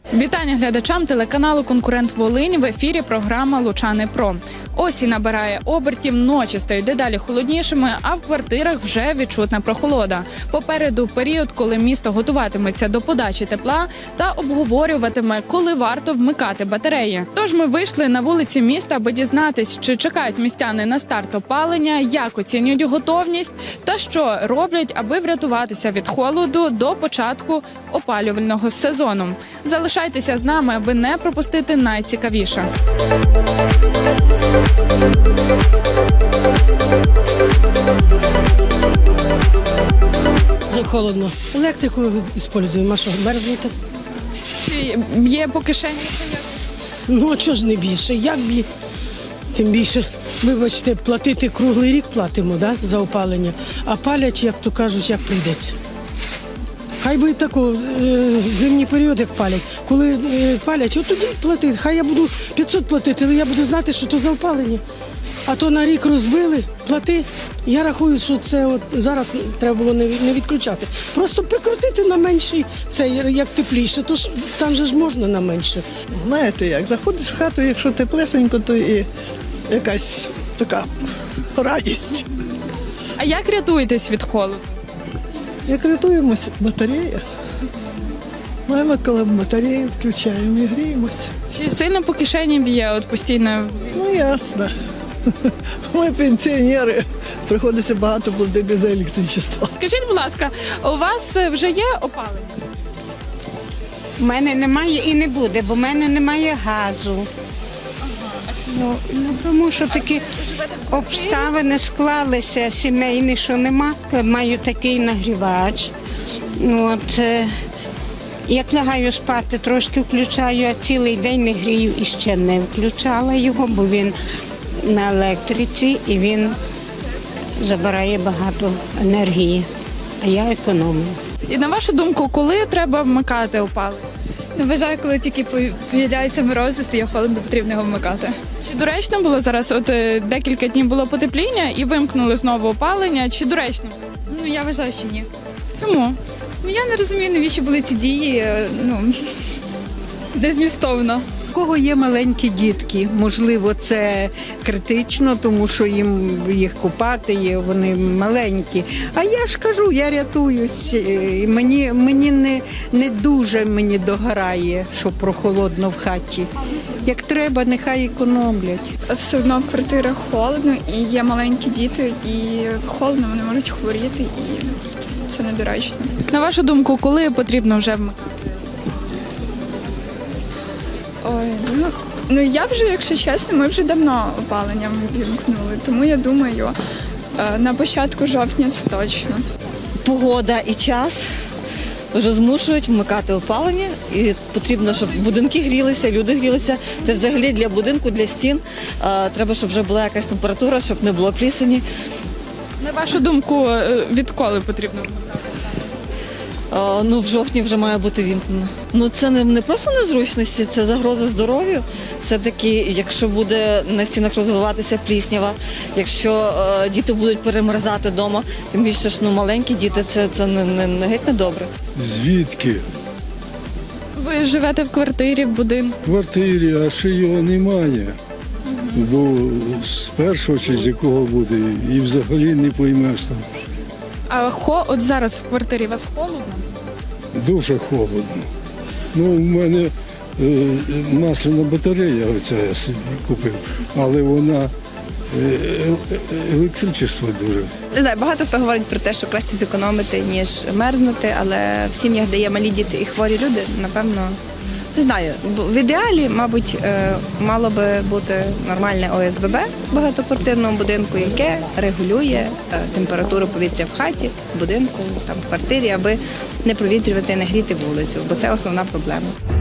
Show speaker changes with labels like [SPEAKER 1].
[SPEAKER 1] Вітання глядачам телеканалу «Конкурент Волинь». В ефірі програма «Лучани Про». Осінь набирає обертів, ночі стають дедалі холоднішими, а в квартирах вже відчутна прохолода. Попереду період, коли місто готуватиметься до подачі тепла та обговорюватиме, коли варто вмикати батареї. Тож ми вийшли на вулиці міста, аби дізнатись, чи чекають містяни на старт опалення, як оцінюють готовність та що роблять, аби врятуватися від холоду до початку опалювального сезону. Залишайтеся з нами, аби не пропустити найцікавіше.
[SPEAKER 2] Вже холодно. Електрику використовуємо, а що, мерзнути?
[SPEAKER 1] Чи б'є по кишені?
[SPEAKER 2] Ну, а чого ж не більше? Як б'є? Тим більше, вибачте, платити круглий рік платимо, да, за опалення, а палять, як то кажуть, як прийдеться. Хай би тако, зимній період, як палять. Коли палять, от тоді платити. Хай я буду 500 платити, але я буду знати, що то за опалення. А то на рік розбили, плати. Я рахую, що це от зараз треба було не відключати. Просто прикрутити на менший, це як тепліше, то ж там же ж можна на менше.
[SPEAKER 3] Знаєте як, заходиш в хату, якщо теплесенько, то і якась така радість.
[SPEAKER 1] А як рятуєтесь від холоду?
[SPEAKER 3] Як рятуємося, батарея. Маємо коли батарею, включаємо і гріємося.
[SPEAKER 1] Чи сильно по кишені б'є от постійно?
[SPEAKER 3] Ну ясно. Ми пенсіонери, приходиться багато платити за електричество.
[SPEAKER 1] Скажіть, будь ласка, у вас вже є опалення?
[SPEAKER 4] У мене немає і не буде, бо в мене немає газу. Ну, тому що такі обставини склалися сімейні, що нема. Маю такий нагрівач. От, як лягаю спати, трошки включаю, а цілий день не грію і ще не включала його, бо він на електриці і він забирає багато енергії, а я економлю.
[SPEAKER 1] І на вашу думку, коли треба вмикати опалення?
[SPEAKER 5] Ну, вважаю, коли тільки появляються морози, стає холодно, потрібно його вмикати.
[SPEAKER 1] Чи доречно було зараз, от декілька днів було потепління і вимкнули знову опалення, чи доречно?
[SPEAKER 5] Ну, я вважаю, що ні.
[SPEAKER 1] Чому?
[SPEAKER 5] Ну, я не розумію, навіщо були ці дії, незмістовно.
[SPEAKER 6] У кого є маленькі дітки, можливо, це критично, тому що їх купати, вони маленькі. А я ж кажу, я рятуюсь. І мені не дуже догорає, що прохолодно в хаті. Як треба, нехай економлять.
[SPEAKER 7] Все одно в квартирах холодно і є маленькі діти, і холодно, вони можуть хворіти, і це недоречно.
[SPEAKER 1] На вашу думку, коли потрібно вже вмикати?
[SPEAKER 7] Ой, ну я вже, якщо чесно, ми вже давно опаленням вімкнули, тому я думаю, на початку жовтня це точно.
[SPEAKER 8] Погода і час вже змушують вмикати опалення, і потрібно, щоб будинки грілися, люди грілися. Та взагалі для будинку, для стін треба, щоб вже була якась температура, щоб не було плісені.
[SPEAKER 1] На вашу думку, відколи потрібно вмикати?
[SPEAKER 8] Ну, в жовтні вже має бути вімкнено. Ну, це не просто незручності, це загроза здоров'ю. Все-таки, якщо буде на стінах розвиватися пліснява, якщо діти будуть перемерзати вдома, тим більше ж маленькі діти, це не геть не добре.
[SPEAKER 9] Звідки?
[SPEAKER 1] Ви живете в квартирі, в будинку?
[SPEAKER 9] В квартирі, а ще його немає. Бо з першого чи з якого буде, і взагалі не поймеш там.
[SPEAKER 1] А от зараз в квартирі вас холодно?
[SPEAKER 9] Дуже холодно. Ну, в мене масляна батарея, оця я собі купив, але вона електричество дуже.
[SPEAKER 10] Не знаю, багато хто говорить про те, що краще зекономити, ніж мерзнути, але в сім'ях, де є малі діти і хворі люди, напевно, не знаю. В ідеалі, мабуть, мало би бути нормальне ОСББ в багатоквартирному будинку, яке регулює температуру повітря в хаті, в будинку, там, в квартирі, аби не провітрювати, не гріти вулицю, бо це основна проблема.